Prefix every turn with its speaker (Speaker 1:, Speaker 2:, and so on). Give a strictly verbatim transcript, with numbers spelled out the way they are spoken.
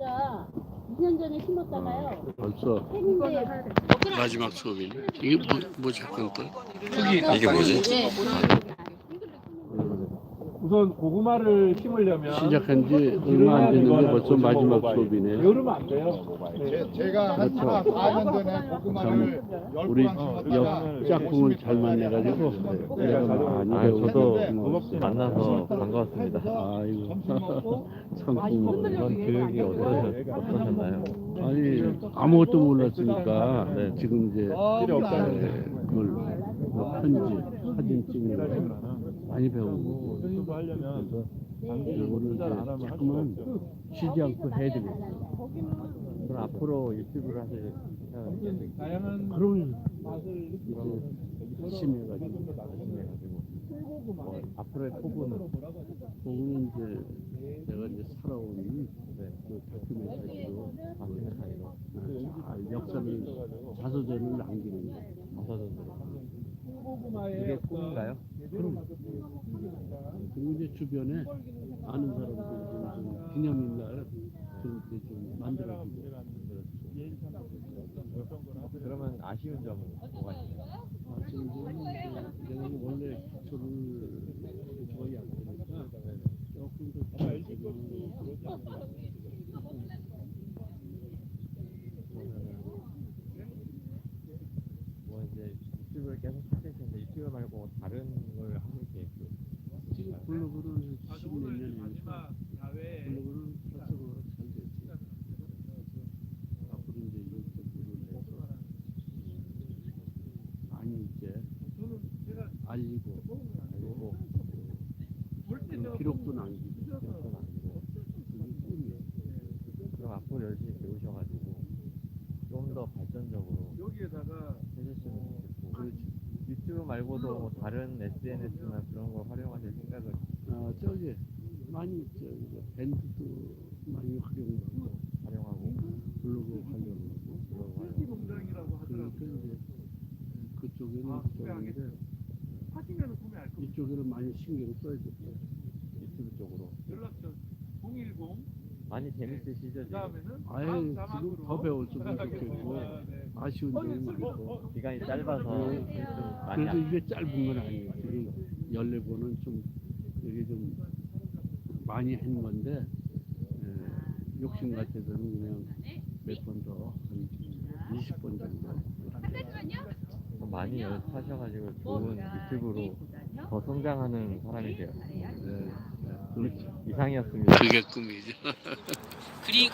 Speaker 1: 이 년 전에 심었잖아요.
Speaker 2: 벌써
Speaker 1: 팬인데
Speaker 2: 마지막 수업이네. 이게 뭐, 뭐 잠깐 또
Speaker 3: 이게 뭐지?
Speaker 4: 우선 고구마를 심으려면
Speaker 2: 시작한 지 얼마 안 됐는데 벌써 마지막 수업이네.
Speaker 4: 여름 안 돼요.
Speaker 5: 제, 제가 한
Speaker 2: 그렇죠.
Speaker 5: 사 년 전에 고구마를 열
Speaker 2: 우리
Speaker 5: 포랑 심었다가
Speaker 2: 역 짝꿍을 잘 만나가지고 내가 많이
Speaker 3: 아,
Speaker 2: 배우고
Speaker 3: 저도 만나서 반가웠습니다.
Speaker 2: 아이고 상품
Speaker 3: 이번 교육이 어떠셨, 어떠셨나요?
Speaker 2: 아니 아무것도 몰랐으니까
Speaker 3: 네.
Speaker 2: 지금 이제
Speaker 5: 필요 없다.
Speaker 2: 뭘 뭐 편지 사진 찍는 거 많이 배우고
Speaker 4: 유튜브 하려면
Speaker 2: 이거를 이제 조금은 쉬지 않고 해야 되겠어.
Speaker 3: 그럼 앞으로 유튜브를 하실
Speaker 4: 다양한
Speaker 2: 그러면
Speaker 4: 맛을
Speaker 2: 이제 열심히 해가지고
Speaker 3: 열심히 해가지고 뭐 앞으로의 포부는
Speaker 2: 그거는 이제 내가 이제 살아온
Speaker 3: 네.
Speaker 2: 그 다큐멘터리로
Speaker 3: 아시메타이로
Speaker 2: 잘 역사를 자서전을 남기는 거.
Speaker 3: 가서전으로
Speaker 4: 고구마의
Speaker 3: 이게 꿈인가요?
Speaker 2: 그리고 이제 주변에 아는 사람들 좀 기념일 날 그렇게 좀 만들어주고.
Speaker 3: 그러면 아쉬운 점은 뭐가 있나요?
Speaker 2: 아, 지금 내가 원래 기초를 거의 안 되니까 조금 더
Speaker 3: 뭐 이제 유튜브를 계속 하실 텐데 유튜브 말고 다른 걸 하실 계획도
Speaker 2: 지금 블로그를 십몇 년이니까 블로그는 활성화가 잘 됐지. 앞으로 이제 유튜브를 해서 많이 이제 알리고
Speaker 3: 알고
Speaker 2: 그 기록도 남기고
Speaker 3: 기록도 남기고
Speaker 2: 그게 꿈이에요.
Speaker 3: 그럼 앞으로 열심히 배우셔가지고 좀 더 발전적으로
Speaker 4: 여기에다가
Speaker 3: 해주시면 좋겠고 그 유튜브 말고도 뭐 다른 에스엔에스나 그런 걸 활용하실 생각을
Speaker 2: 아 저기 많이 저기 밴드도 많이 활용하고
Speaker 3: 활용하고
Speaker 2: 블로그 활용하고
Speaker 3: 블로그 활용
Speaker 4: 농장이라고 하더라고요.
Speaker 2: 그러니까 이제 그쪽에는
Speaker 4: 아,
Speaker 2: 그쪽인데
Speaker 4: 하시면 구매할 거.
Speaker 2: 이쪽에는 많이 신경 써야겠다.
Speaker 3: 유튜브 쪽으로
Speaker 4: 연락처 공일공
Speaker 3: 많이 재밌으시죠 지금?
Speaker 4: 그다음에는
Speaker 2: 아예
Speaker 4: 다음
Speaker 2: 지금
Speaker 4: 자막으로
Speaker 2: 더 배웠으면 좋겠고
Speaker 4: 아, 네.
Speaker 2: 아쉬운 점이 많고
Speaker 3: 기간이 짧아서 좀 많이
Speaker 2: 그래도
Speaker 3: 안
Speaker 2: 이게 짧은 건 아니에요. 지금 열네 번은 좀 이게 좀 많이 한 건데 에, 욕심 같아서는 그냥 몇 번 더 한 이십 번 정도.
Speaker 3: 좀 많이 연습하셔가지고 좋은 유튜브로 더 성장하는 사람이 돼요.
Speaker 2: 네, 네, 그렇죠.
Speaker 3: 이상이었습니다.
Speaker 2: 그게 꿈이죠.
Speaker 6: 그리고